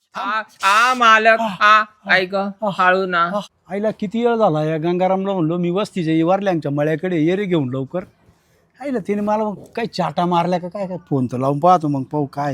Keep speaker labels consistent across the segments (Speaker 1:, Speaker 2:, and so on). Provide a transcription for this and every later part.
Speaker 1: मालक ऐक हळू ना.
Speaker 2: आईला किती वेळ झाला या गंगारामला म्हणलो मी वस्तीच्या वारल्यांच्या मळ्याकडे ये रे घेऊन लवकर. आईला तिने मला मग काही चाटा मारल्या का काय काय फोन तर लावून पाहतो मग पाहू काय.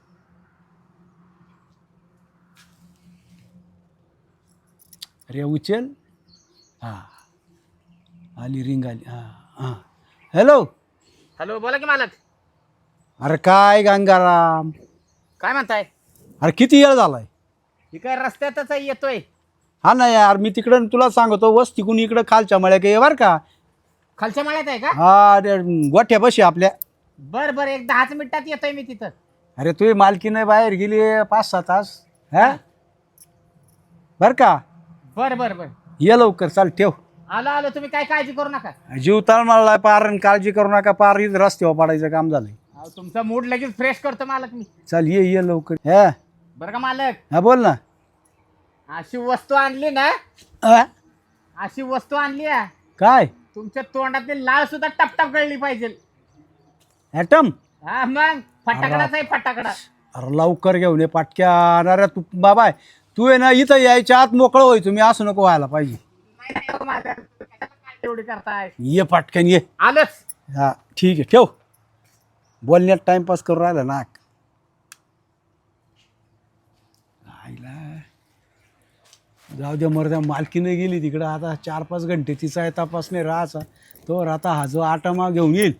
Speaker 2: अरे उचल. हा आली रिंग आली. हा हा हॅलो.
Speaker 1: हॅलो बोला की मालक.
Speaker 2: अरे काय गंगाराम.
Speaker 1: काय म्हणताय?
Speaker 2: अरे किती वेळ झालाय.
Speaker 1: ही काय रस्त्यातच येतोय.
Speaker 2: हा ना यार मी तिकडं तुला सांगतो वस्तीकून इकडं खालच्या मळ्या ये बर का.
Speaker 1: खालच्या माळ्यात आहे का?
Speaker 2: हा गोठ्या बशी आपल्या.
Speaker 1: बर बर एक 10 मिनिटात येतोय मी तिथं.
Speaker 2: अरे तुझी मालकीने बाहेर गेली 5-6 तास. हा बर का.
Speaker 1: बर बर बर
Speaker 2: ये लवकर चाल ठेव.
Speaker 1: आलो आलो तुम्ही काय काळजी करू नका.
Speaker 2: जीव तळमळला पार आणि काळजी करू नका पार इथं रस्त्यावर पडायचं काम झालंय.
Speaker 1: तुमचा मूड लगेच फ्रेश करतो मालक मी.
Speaker 2: चल ये लवकर. हा
Speaker 1: बरं का मालक.
Speaker 2: हा बोल ना.
Speaker 1: अशी वस्तू आणली ना.
Speaker 2: हा?
Speaker 1: अशी वस्तू आणली आहे.
Speaker 2: काय
Speaker 1: तुमच्या तोंडातली लाळ सुद्धा टपटप गळली पाहिजे.
Speaker 2: ॲटम.
Speaker 1: हा मग फटाकडाच आहे फटाकडा.
Speaker 2: अरे लवकर घेऊन ये पाटक्या. अरे तू बाबा तू आहे ना इथं यायच्या आत मोकळं होय तुम्ही असं नको व्हायला पाहिजे.
Speaker 1: नाही, हो मालक. काय एवढी करताय.
Speaker 2: ये पाटक्यान ये.
Speaker 1: आलंच.
Speaker 2: हा ठीक आहे ठेव. बोलण्यात टाइमपास करून राहिला नाक. जाऊ द्या मर्द्या मालकीने गेली तिकडं आता 4-5 घंटे तिचा तपास नाही राहायचा. तो आता हा जो आटामा घेऊन येईल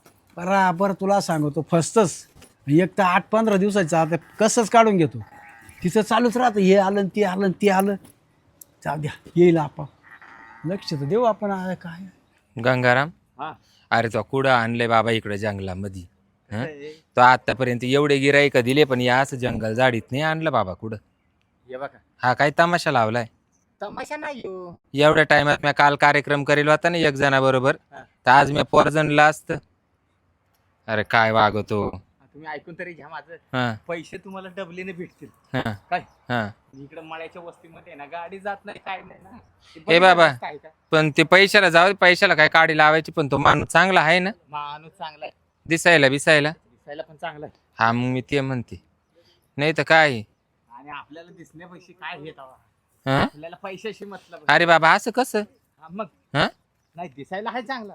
Speaker 2: बराबर तुला सांगतो फस्तच. एक तर 8-15 दिवसाचं आता कसंच काढून घेतो. तिचं चालूच राहतं हे आलं ते आलं ते आलं. जाऊ द्या येईल आपण लक्ष तर देऊ आपण. काय
Speaker 3: गंगाराम अरे तो कुठं आणलंय बाबा इकडे जंगलामध्ये. तो आतापर्यंत एवढे गिराईक दिले पण या असं जंगल झाडीत नाही आणलं बाबा कुठं.
Speaker 1: हे बघा
Speaker 3: हा काय तमाशा लावलाय.
Speaker 1: तमाशा नाही हो.
Speaker 3: एवढ्या टाइमात मी काल कार्यक्रम करेल होता ना एक जणाबरोबर तर आज मी पोरजणला असत. अरे काय वागतो.
Speaker 1: तुम्ही ऐकून तरी घ्या माझं.
Speaker 3: हा
Speaker 1: पैसे तुम्हाला डबलीने भेटतील.
Speaker 3: हा
Speaker 1: काय
Speaker 3: हा
Speaker 1: इकडे मळ्याच्या वस्तीमध्ये ना गाडी जात नाही काय नाही ना.
Speaker 3: हे बाबा
Speaker 1: काय का
Speaker 3: पण ते पैशाला जाऊ पैशाला काय काढी लावायची पण तो माणूस चांगला आहे ना.
Speaker 1: माणूस चांगला आहे.
Speaker 3: दिसायला बिसायला.
Speaker 1: दिसायला पण चांगला आहे.
Speaker 3: हा मग मी ते म्हणते नाही तर काय.
Speaker 1: आणि आपल्याला दिसण्यापेक्षा काय घेत
Speaker 3: हा
Speaker 1: आपल्याला पैशाशी मतलब.
Speaker 3: अरे बाबा असं कसं.
Speaker 1: मग
Speaker 3: हा
Speaker 1: नाही दिसायला आहे चांगला.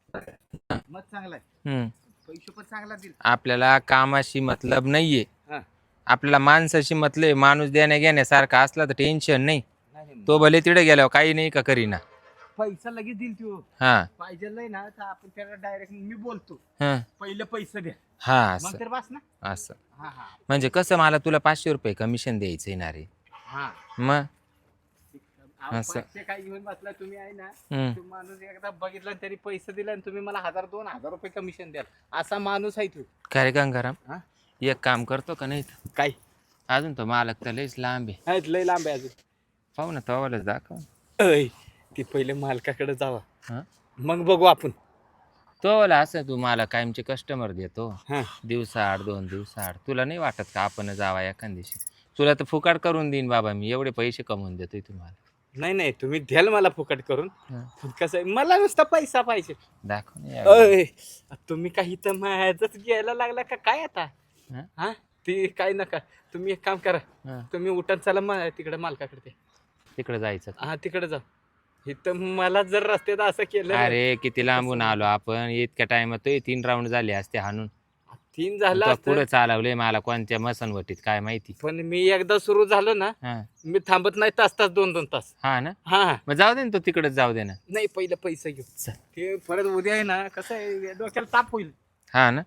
Speaker 1: मग चांगला आहे. पैसे पण चांगला दिल.
Speaker 3: आपल्याला कामाशी मतलब नाहीये.
Speaker 1: हा.
Speaker 3: आपल्याला माणसाशी मतलब. माणूस देण्या घेण्यासारखा असला तर टेन्शन नाही.
Speaker 1: नाही
Speaker 3: तो भले तिथे गेल्यावर काही नाही का करीना.
Speaker 1: पैसा लगेच दिल तू.
Speaker 3: हा
Speaker 1: पाहिजे ना तर आपण त्याला डायरेक्ट मी बोलतो
Speaker 3: हा
Speaker 1: पहिले पैसे द्या
Speaker 3: हा
Speaker 1: मग
Speaker 3: असं
Speaker 1: तर बस ना.
Speaker 3: असं
Speaker 1: हा हा
Speaker 3: म्हणजे कसं मला तुला 500 रुपये कमिशन द्यायचंय ना रे.
Speaker 1: हा
Speaker 3: मग
Speaker 1: अहो,
Speaker 3: असं.
Speaker 1: पैसे काय घेऊन बसला तुम्ही आहे ना.
Speaker 3: हम्म.
Speaker 1: तो माणूस एकदा बघितला आणि तरी पैसे दिला आणि तुम्ही मला 1000-2000 रुपये कमिशन द्याल असा माणूस आहे तू.
Speaker 3: काय रे गंगाराम
Speaker 1: हा?
Speaker 3: एक काम करतो का नाही
Speaker 1: काय
Speaker 3: अजून तो मालक तर लयच लांब आहे.
Speaker 1: लय लांब आहे अजून.
Speaker 3: पाहू ना तवालाच दाखव.
Speaker 1: ती पहिले मालकाकडे जावा
Speaker 3: हा
Speaker 1: मग बघू आपण.
Speaker 3: तो वाला असं तू मला कायमचे कस्टमर देतो
Speaker 1: हा.
Speaker 3: दिवसाआड 2 दिवसाआड. तुला नाही वाटत का आपण जावा एखाद दिवशी. तुला तर फुकाट करून देईन बाबा मी एवढे पैसे कमवून देतोय तुम्हाला.
Speaker 1: नाही नाही तुम्ही द्याल मला फुकट करून.
Speaker 3: हा.
Speaker 1: पण कसं आहे मला नुसता पैसा पाहिजे.
Speaker 3: दाखव ना यावेळी.
Speaker 1: तुम्ही काही तर माझच घ्यायला लागला का काय आता.
Speaker 3: हा?
Speaker 1: हा ती काय नका. तुम्ही एक काम करा.
Speaker 3: हा.
Speaker 1: तुम्ही उठा चला तिकडे मालकाकडे ते.
Speaker 3: तिकडे जायचं.
Speaker 1: हा तिकडे जा. इथं मला जर रस्त्यात असं केलं ना,
Speaker 3: अरे किती लांबून आलो आपण इतक्या टाइमात 3 राऊंड झाले असते हाणून.
Speaker 1: 3 झालं
Speaker 3: तो
Speaker 1: असतं.
Speaker 3: पुढे चालवले मला कोणत्या मसनवटीत काय माहिती.
Speaker 1: पण मी एकदा सुरू झालो ना
Speaker 3: हा
Speaker 1: मी थांबत नाही तास 2-2 तास.
Speaker 3: हा ना
Speaker 1: हा
Speaker 3: मग जाऊ दे ना तो तिकडेच जाऊ दे ना.
Speaker 1: नाही पहिलं पैसे घेऊ. ते परत उद्या आहे ना कसं आहे डोक्याला ताप होईल.
Speaker 3: हा ना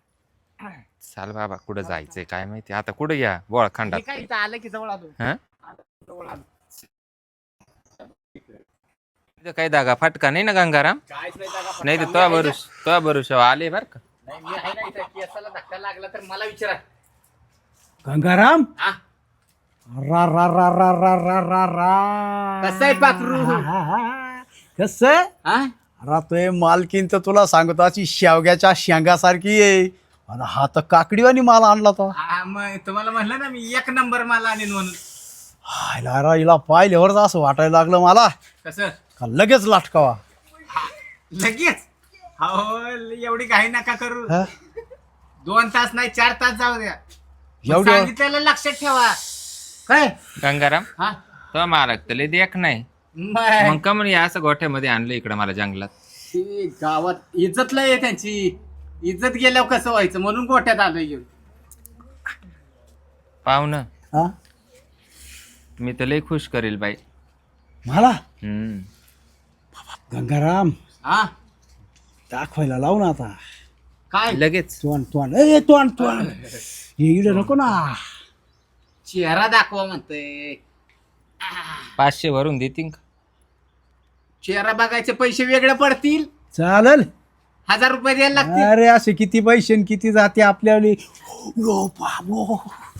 Speaker 1: हा
Speaker 3: चाल बाबा कुठं जायचंय काय माहिती आता कुठं या बोळ खंडात.
Speaker 1: हे काय इथं आलं की जवळ आलो.
Speaker 3: हा
Speaker 1: जवळ आलो.
Speaker 3: इथं काही दागा फाटका नाही ना गंगाराम.
Speaker 1: काहीच नाही जागा फक्त.
Speaker 3: नाही तर
Speaker 1: मी आहे ना.
Speaker 3: तो भरोसा आले बर का.
Speaker 1: नाही मी आहे ना इथं केसाला धक्का लागला तर मला विचारा.
Speaker 2: गंगाराम.
Speaker 1: हा
Speaker 2: रा रा रा रा रा रा रा रा.
Speaker 1: कसं आहे पाखरू?
Speaker 2: कसं
Speaker 1: हा
Speaker 2: राहतोय मालकीन तर तुला सांगतो अशी शेवग्याच्या शेंगासारखी आहे. आणि हा तर काकडीवानी माल आणला तो.
Speaker 1: हा, मग तुम्हाला म्हणलं ना मी 1 नंबर मला आणीन म्हणून.
Speaker 2: हायला हिला पाहिल्यावरच असं वाटायला लागलं मला
Speaker 1: कसं
Speaker 2: का लगेच लाटकावा.
Speaker 1: लगेच. हो एवढी घाई नका करू.
Speaker 2: हा?
Speaker 1: 2 तास नाही 4 तास जाऊ द्या.
Speaker 2: एवढं
Speaker 1: सांगितलेलं लक्षात ठेवा. काय
Speaker 3: गंगाराम
Speaker 1: हा
Speaker 3: तो मालक तले देख नाही
Speaker 1: मग
Speaker 3: मग का म्हणे असं गोठ्यामध्ये आणलं इकडं मला जंगलात.
Speaker 1: ती गावात इज्जत लय आहे त्यांची. इज्जत गेल्यावर कसं व्हायचं म्हणून गोठ्यात आलोय घेऊन.
Speaker 3: पाहुणं
Speaker 2: हा
Speaker 3: मी तर लय खुश करेल बाई.
Speaker 2: मला
Speaker 3: हम्म.
Speaker 2: गंगाराम
Speaker 1: हा
Speaker 2: दाखवायला लावू ना आता.
Speaker 1: काय
Speaker 3: लगेच
Speaker 2: तोंड हे इकडे नको ना.
Speaker 1: चेहरा दाखवा म्हणतोय.
Speaker 3: 500 भरून देतील का?
Speaker 1: चेहरा बघायचे पैसे वेगळे पडतील.
Speaker 2: चालेल.
Speaker 1: 1000 रुपये द्यायला लागतील.
Speaker 2: अरे असे किती पैसे आणि किती जाते आपल्याला. यो बाबो.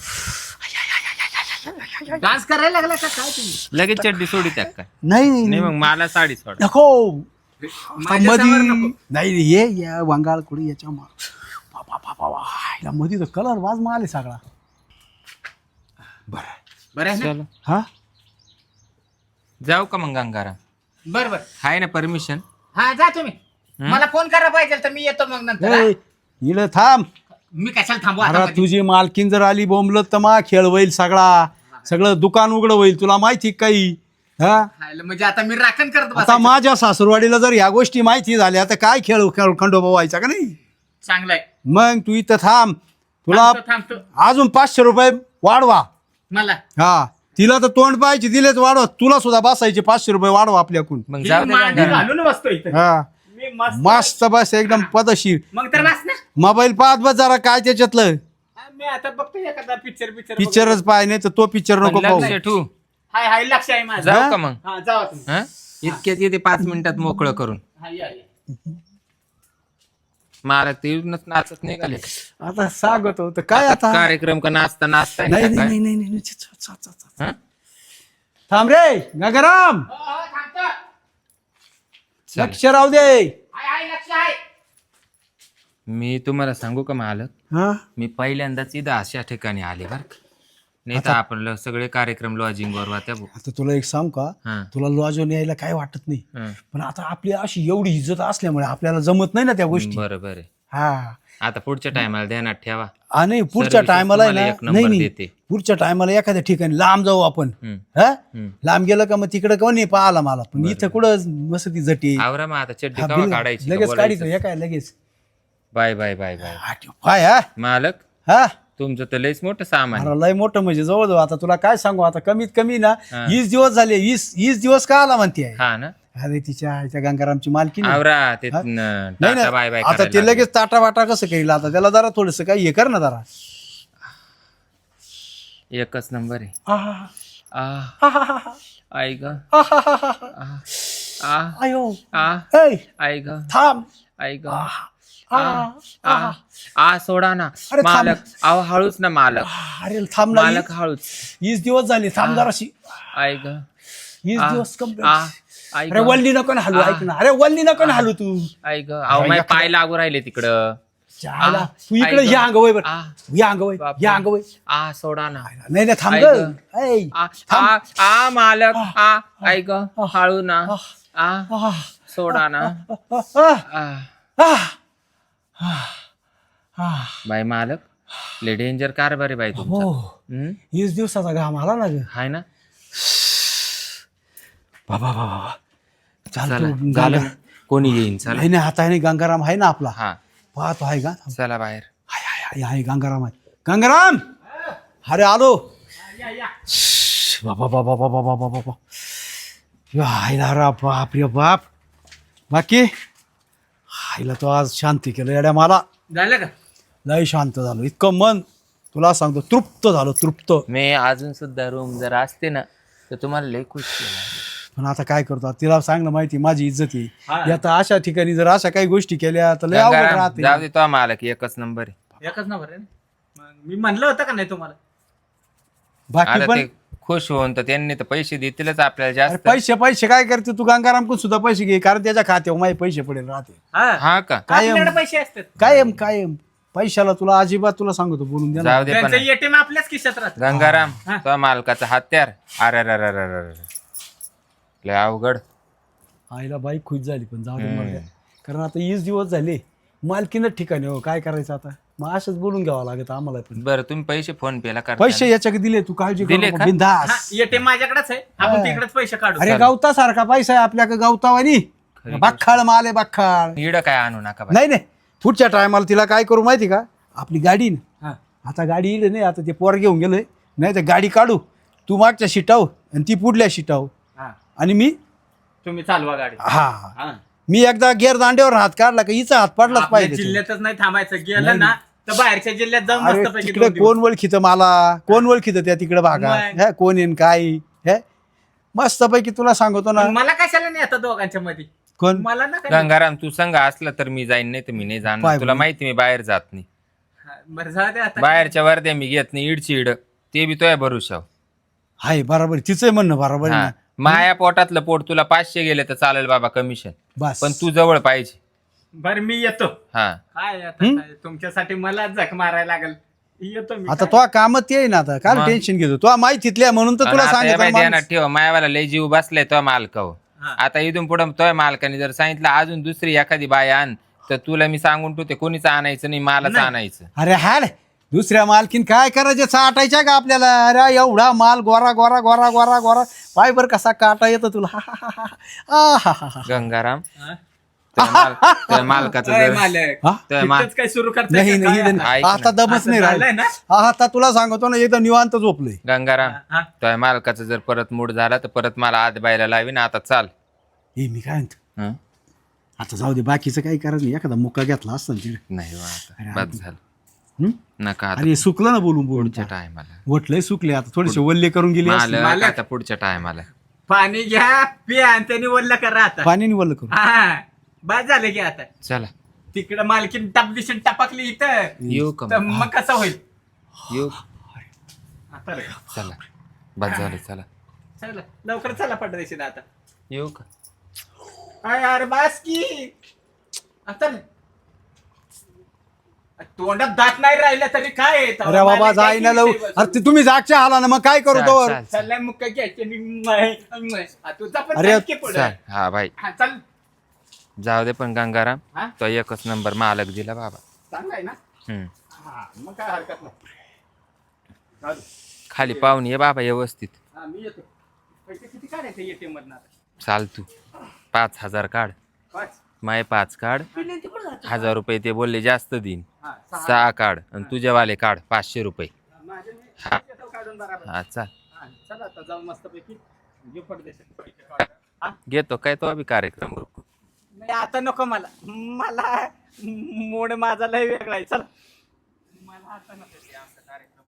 Speaker 1: डान्स करायला लागला का काय तुम्ही?
Speaker 3: लगेच चड्डी सोडी त्यात काय
Speaker 2: नाही
Speaker 3: नाही मग मला साडी सोड.
Speaker 2: नको
Speaker 1: माझ्या समोर
Speaker 2: मधी
Speaker 1: नको.
Speaker 2: नाही ये या वंगाळ कुडी याच्या मधी तर कलर वाज माले सगळा.
Speaker 1: बरं आहे ना?
Speaker 3: चलो
Speaker 2: हा
Speaker 3: जाऊ का मग गंगाराम?
Speaker 1: बरं बरं
Speaker 3: हाय ना परमिशन?
Speaker 1: हा जा तुम्ही. मला फोन करा पाहिजे तर मी येतो मग नंतर. हा?
Speaker 2: इकडे थांब.
Speaker 1: मी कशाला थांबू आता
Speaker 2: अरे
Speaker 1: मध्ये?
Speaker 2: तुझी मालकीन जर आली बोंबलत तर मा खेळ होईल सगळं दुकान उघड होईल. तुला माहिती काही हा
Speaker 1: हायला, म्हणजे आता मी राखण करत
Speaker 2: आता
Speaker 1: बसायचं.
Speaker 2: माझ्या सासूरवाडीला जर ह्या गोष्टी माहिती झाल्या तर काय खेळ खंडोबा व्हायचा का नाही.
Speaker 1: चांगलंय.
Speaker 2: मग तू इथं थांब. तुला
Speaker 1: थांबतो
Speaker 2: अजून 500 रुपये वाढवा.
Speaker 1: मला
Speaker 2: हा तिला तर तोंड पाहायची दिलेच वाढवा. तुला सुद्धा बसायचे 500 रुपये वाढवा आपल्याकडून.
Speaker 3: मग
Speaker 1: ही
Speaker 3: जाऊ दे
Speaker 1: मांडी
Speaker 3: गंगाराम.
Speaker 1: घालून बसतो इथं.
Speaker 2: हा
Speaker 1: मी मस्त
Speaker 2: मस्त बस एकदम पदशीर.
Speaker 1: मग तर बस ना.
Speaker 2: मोबाईल पाहत बस जरा काय त्याच्यातलं.
Speaker 1: मी आता बघतो एखादा पिक्चर
Speaker 2: पिक्चरच पाय नाही तर तो पिक्चर नको
Speaker 3: पण
Speaker 2: पाहू.
Speaker 3: लक्ष ठेवू.
Speaker 1: हाय हाय लक्ष आहे माझं.
Speaker 3: जाऊ का मग?
Speaker 1: हा जावा तुम्ही.
Speaker 3: हा इतक्यात येते 5 मिनिटात मोकळं करून.
Speaker 1: हा या या.
Speaker 3: मला ते नाचत निघाले.
Speaker 2: आता सांगत होतं काय आता.
Speaker 3: कार्यक्रम का नाचता नाचता
Speaker 2: नाही
Speaker 3: आहे का
Speaker 2: नाही
Speaker 3: काय?
Speaker 2: नाही नाही नाही. चा, चा, चा.
Speaker 3: हा?
Speaker 2: थांब रे गंगाराम.
Speaker 1: हो, हो, थांबतो.
Speaker 3: चल.
Speaker 2: लक्ष राहू दे.
Speaker 1: हाय हाय लक्ष आहे.
Speaker 3: मी तुम्हाला सांगू का मालक?
Speaker 2: हा
Speaker 3: मी पहिल्यांदाच इथं अशा ठिकाणी आले बर का. नाही तर आपण सगळे कार्यक्रम लॉजिंग वर वात्या भाऊ.
Speaker 2: आता तुला एक सांग का.
Speaker 3: हा.
Speaker 2: तुला लॉजून यायला काय वाटत नाही.
Speaker 3: हा.
Speaker 2: पण आता आपली अशी एवढी इज्जत असल्यामुळे आपल्याला जमत नाही ना त्या गोष्टी.
Speaker 3: बरोबर आहे.
Speaker 2: हा
Speaker 3: आता पुढच्या टायमाला ध्यानात ठेवा.
Speaker 2: आणि पुढच्या
Speaker 3: Services
Speaker 2: टायमाला
Speaker 3: तुम्हाला एक
Speaker 2: नाही
Speaker 3: नंबर
Speaker 2: नाही
Speaker 3: देते.
Speaker 2: पुढच्या टायमाला एखाद्या ठिकाणी लांब जाऊ आपण.
Speaker 3: हम्म.
Speaker 2: हा
Speaker 3: हम्म.
Speaker 2: लांब गेलं का मग तिकडे कोण नाही पाहिला मला. पण इथं कुठं मस्त ती जटी.
Speaker 3: आवरा मग आता चड्डी
Speaker 2: हा,
Speaker 3: कवा
Speaker 2: बिल-
Speaker 3: काढायची
Speaker 2: लगेच काढायचं हे काय लगेच.
Speaker 3: Bye bye bye bye.
Speaker 2: हा, ठेव. काय हा
Speaker 3: मालक
Speaker 2: हा
Speaker 3: तुमचं तर लयच मोठं सामान आहे.
Speaker 2: अरे लय मोठं म्हणजे जवळ आता तुला काय सांगू आता कमीत कमी ना
Speaker 3: हा.
Speaker 2: 20 दिवस झाले. 20 दिवस का आला म्हणते.
Speaker 3: हा ना
Speaker 2: अरे तिच्या गंगारामची मालकी नाही.
Speaker 3: आवरा ते
Speaker 2: हा?
Speaker 3: न-
Speaker 2: नाही
Speaker 3: टाटा बाय बाय
Speaker 2: ना आता
Speaker 3: करायला
Speaker 2: ते
Speaker 3: लागले.
Speaker 2: लगेच ताटा वाटा कसं करील. आता त्याला जरा थोडस काही हे कर ना जरा.
Speaker 3: एकच नंबर आहे.
Speaker 2: आहा,
Speaker 3: आ
Speaker 2: आहा,
Speaker 3: आई ग
Speaker 2: आहा.
Speaker 3: आ
Speaker 2: आयो
Speaker 3: आ
Speaker 2: ऐ,
Speaker 3: आई ग
Speaker 2: थांब.
Speaker 3: आई ग
Speaker 2: आहा,
Speaker 3: आ
Speaker 2: आहा.
Speaker 3: आ आ सोडा ना
Speaker 2: अरे थांब.
Speaker 3: मालक. अहो हळूच ना मालक.
Speaker 2: अरे थांब ना.
Speaker 3: मालक हळूच.
Speaker 2: 20 दिवस झाले थांब जराशी.
Speaker 3: आई ग
Speaker 2: 20
Speaker 3: आ,
Speaker 2: दिवस
Speaker 3: आ
Speaker 2: कंप्लीट.
Speaker 3: आई
Speaker 2: अरे
Speaker 3: ग
Speaker 2: वल्ली नको ना हलू. ऐक ना. अरे वल्ली नको ना हलू तू.
Speaker 3: आई ग अहो माझे पाय लागू राहिले तिकडं.
Speaker 2: जायला.
Speaker 3: आ,
Speaker 2: तू इकडे
Speaker 3: ऐक.
Speaker 2: या अंगवय बर.
Speaker 3: आ,
Speaker 2: या अंगवय
Speaker 3: बापरे.
Speaker 2: या अंगवय.
Speaker 3: आ सोडा ना.
Speaker 2: नाही नाही थांब
Speaker 3: ऐक.
Speaker 2: ग. ऐ,
Speaker 3: आ आ आ मालक आ आई ग हळू ना आ
Speaker 2: आहा,
Speaker 3: सोडा ना
Speaker 2: आहा,
Speaker 3: आ
Speaker 2: आहा, आहा.
Speaker 3: बाई मालक ले डेंजर कारभार आहे बाई तुमचा.
Speaker 2: हो
Speaker 3: हम्म?
Speaker 2: 20 दिवसाचा घाम आला ना ग.
Speaker 3: हाय ना.
Speaker 2: बाबा बाबा चाल
Speaker 3: चला
Speaker 2: तू
Speaker 3: झालं.
Speaker 2: गंगा-
Speaker 3: कोणी येईन चला.
Speaker 2: नाही नाही आता आहे ना गंगाराम आहे ना आपला.
Speaker 3: हा
Speaker 2: पाहतो आहे का.
Speaker 3: चला बाहेर.
Speaker 2: हाय हाय हाय हाय गंगाराम आहे. गंगाराम अरे आलो.
Speaker 1: या या.
Speaker 2: बाबा बाबा बाबा बाबा बाबा हायला रा बाप रे बाप. बाकी हायला तो आज शांती केलं येड्या मला.
Speaker 1: झालं का?
Speaker 2: लय शांत झालो. इतकं मन तुला सांगतो तृप्त झालो तृप्त.
Speaker 3: मी अजून सुद्धा रूम जर असते ना तर तुम्हाला लय खुश केलं.
Speaker 2: पण आता काय करतो तिला सांग ना माहिती माझी इज्जत
Speaker 1: हा.
Speaker 2: आहे. आता अशा ठिकाणी जर अशा काही गोष्टी केल्या तर लय अवघड
Speaker 3: गंगाराम,
Speaker 2: राहते.
Speaker 3: जाऊ दे तो मालक एकच नंबर आहे.
Speaker 1: एकच ना बरं. मग मी म्हणलं होतं का नाही तुम्हाला?
Speaker 2: बाकी
Speaker 3: आता
Speaker 2: पण
Speaker 3: ते खुश होऊन तर त्यांनी तर पैसे देतीलच आपल्याला
Speaker 2: अरे
Speaker 3: जास्त.
Speaker 2: पैसे पैसे काय करते तू गंगारामकडून सुद्धा पैसे घे कारण त्याच्या खात्यावर माझे पैसे पडेल राहते.
Speaker 1: हा
Speaker 3: हा का
Speaker 2: कायम.
Speaker 1: आपल्याकडे पैसे असतात.
Speaker 2: कायम कायम पैशाला तुला अजिबात तुला सांगतो बोलून द्या ना.
Speaker 3: जाऊ दे पण
Speaker 1: त्यांचं एटीएम आपल्याच खिशात राहत.
Speaker 3: गंगाराम
Speaker 1: हा.
Speaker 3: तो मालकाचा हत्यार. अरे रे रे रे रे रे. लय अवघड.
Speaker 2: आईला बाईक खुश झाली पण जाऊ दे मर्द्या. कारण आता 20 दिवस झाले मालकीनच ठिकाणी हो काय करायचं आता. मग असंच बोलून घ्यावं लागत आम्हाला पण.
Speaker 3: बरं तुम्ही पैसे फोन पेला करता
Speaker 2: पैसे याच्याकडे दिले, तू काळजी
Speaker 3: दिले
Speaker 2: करू
Speaker 3: का?
Speaker 2: बिंदास.
Speaker 1: येते माझ्याकडेच आहे, आपण तिकडेच पैसे काढू.
Speaker 2: अरे गवता सारखा पैसा आहे आपल्याकडे, गवतावानी बाखाळ माल आहे बाखाळ.
Speaker 3: इड काय आणू नका बाई.
Speaker 2: नाही नाही, पुढच्या टायमाला तिला काय करू माहिती का, आपली गाडी ना,
Speaker 1: हा.
Speaker 2: आता गाडी येईल नाही, आता ते पोर घेऊन गेलोय, नाही तर गाडी काढू, तू मागच्या शिटाव आणि ती पुढल्या शिटाव,
Speaker 1: हा.
Speaker 2: आणि मी
Speaker 1: तुम्ही चालवा गाडी.
Speaker 2: हा
Speaker 1: हा.
Speaker 2: मी एकदा गेर दांड्यावर हात काढला का हिचा हात पडलाच
Speaker 1: आपल्या
Speaker 2: पाहिजे.
Speaker 1: जिल्ह्यातच नाही थांबायचं, गेलं ना तर बाहेरच्या जिल्ह्यात जाऊन
Speaker 2: अरे
Speaker 1: मस्तपैकी
Speaker 2: तिकडे
Speaker 1: 2 दिवस.
Speaker 2: कोण ओळखीत मला, कोण ओळखीत त्या तिकडे भागा,
Speaker 1: मग.
Speaker 2: हे कोण येईन काय हे, मस्तपैकी तुला सांगतो ना.
Speaker 1: पण मला कशाला नाही आता दोघांच्या मध्ये,
Speaker 2: कोण
Speaker 1: मला ना काय.
Speaker 3: गंगाराम तू संघ असला तर मी जाईन, नाही तर मी नाही
Speaker 2: पाय
Speaker 3: जाणार. तुला
Speaker 2: बरं.
Speaker 3: माहिती मी बाहेर जात नाही.
Speaker 1: हा, बरं जाऊ दे आता.
Speaker 3: बाहेरच्या वर्ध्या मी घेत नाही, इडची इड ते बी तोय भरुशाव.
Speaker 2: हाय बरोबर, तिचं म्हणणं बरोबर आहे
Speaker 3: हा.
Speaker 2: ना.
Speaker 3: माया पोटातलं पोट तुला 500 गेले तर चालेल बाबा कमिशन,
Speaker 2: बस
Speaker 3: पण तू जवळ पाहिजे.
Speaker 1: बरं मी येतो.
Speaker 3: हा
Speaker 1: काय आता काय, तुमच्यासाठी मला झक मारायला लागेल. येतो मी.
Speaker 2: आता
Speaker 1: काय?
Speaker 2: तो कामत ये ना, आता काय
Speaker 3: मग.
Speaker 2: टेन्शन घेतो, तो माहितीतल्या म्हणून तर तुला सांगितलं
Speaker 3: ध्यानात ठेव, मायावाला लय जीव बसलाय तो मालकाव.
Speaker 1: हा.
Speaker 3: आता इथून पुढे तोय मालकाने जर सांगितलं अजून दुसरी एखादी बाय आण, तर तुला मी सांगून ठेवते कोणीच आणायचं नाही, मालच
Speaker 1: नाही.
Speaker 3: आणायचं.
Speaker 2: अरे हाड, दुसऱ्या मालकीन काय करायचं, चाटायच्या का आपल्याला. अरे एवढा माल गोरा गोरा गोरा गोरा गोरा, पाय बर कसा काटा येतो तुला. हा, हा, हा, हा. हा, हा, हा.
Speaker 3: गंगाराम
Speaker 1: हा?
Speaker 3: त्या मालकाचं
Speaker 1: अरे
Speaker 3: जर
Speaker 1: मालक,
Speaker 2: हा?
Speaker 3: त्या मा-
Speaker 1: इथंच काय सुरू करताय
Speaker 2: नाही
Speaker 1: का
Speaker 2: नाही
Speaker 1: काय
Speaker 2: इथं
Speaker 1: आता?
Speaker 3: ऐक
Speaker 2: नाही. आता
Speaker 3: ना.
Speaker 2: दमच
Speaker 1: असं
Speaker 2: नाही
Speaker 1: झालंय
Speaker 2: राहिला.
Speaker 1: ना?
Speaker 2: आता तुला सांगतो ना, एकदम निवांत झोपलोय.
Speaker 3: गंगाराम
Speaker 1: हा?
Speaker 3: त्या मालकाचं जर परत मूड झाला तर परत मला आत बायला लावीन. आता चाल.
Speaker 2: हे मी काय म्हणतो,
Speaker 3: हं?
Speaker 2: आता जाऊ दे, बाकीचं काही करायचं नाही, एखादा मुक्का घेतला असता ना तिकडे.
Speaker 3: नाही बा आता
Speaker 2: अरे,
Speaker 3: बस झालं.
Speaker 2: हं?
Speaker 3: नका आता
Speaker 2: अरे सुकलं ना बोलून बोलून,
Speaker 3: पुढच्या टायमाला
Speaker 2: वटलंय सुकले, आता थोडेसे वल्ले करून गेले असते.
Speaker 3: मालक
Speaker 1: मालक.
Speaker 3: आता पुढच्या टायमाला
Speaker 1: पाणी घ्या, पिया, आणि त्यांनी वल्ल करा आता.
Speaker 2: पाण्याने वल्ल करून.
Speaker 1: हा बस झालं की आता.
Speaker 3: चला
Speaker 1: तिकडं मालकीन टपदिशीन टपकली इथं,
Speaker 3: येऊ का
Speaker 1: तर
Speaker 3: मग?
Speaker 1: मग कसं होईल
Speaker 3: येऊ
Speaker 1: आता रे?
Speaker 3: चला बस झालं. चला
Speaker 1: चला लवकर चला पडदेशीन आता.
Speaker 3: येऊ का?
Speaker 1: अरे यार बास की आता रे. तोंडात दात नाही राहिला तरी काय आहे?
Speaker 2: अरे बाबा जाई ना लव, अरे ते तुम्ही जागच्या आला ना, मग काय करू
Speaker 3: चाल,
Speaker 2: तोवर.
Speaker 3: चाल, चाल.
Speaker 1: चाललाय मग काय घ्यायचे तुझा पण
Speaker 2: अरे,
Speaker 1: चाल की पुढं.
Speaker 3: चाल. हा भाई
Speaker 1: हा चल.
Speaker 3: जाऊ दे, पण गंगाराम
Speaker 1: हा
Speaker 3: तो एकच नंबर मालक दिला बाबा.
Speaker 1: चांगला आहे ना.
Speaker 3: हम्म.
Speaker 1: हा मग काय हरकत नाही. जाऊ दे.
Speaker 3: खाली पाहून ये बाबा व्यवस्थित.
Speaker 1: हा मी येतो. पैसे किती काढायचे ATM मधनं आता?
Speaker 3: चाल तू 5,000 काढ,
Speaker 1: 5.
Speaker 3: माय 5 काढ. 1,000 रुपये ते बोलले जास्त देईन.
Speaker 1: हा
Speaker 3: 6 काढ आणि तुझ्यावाले काढ 500 रुपये.
Speaker 1: माझे मी
Speaker 3: हा.
Speaker 1: येतो काढून बराबर.
Speaker 3: हा चाल.
Speaker 1: हा, चला आता जाऊन मस्तपैकी घेऊ पडदेशीन पैसे काढ. हा
Speaker 3: घेतो काय तो बी कार्यक्रम.
Speaker 1: नाही आता नको मला मूड माझा लय वेगळा आहे. चला मला आता नको ते आमचं कार्यक्रम.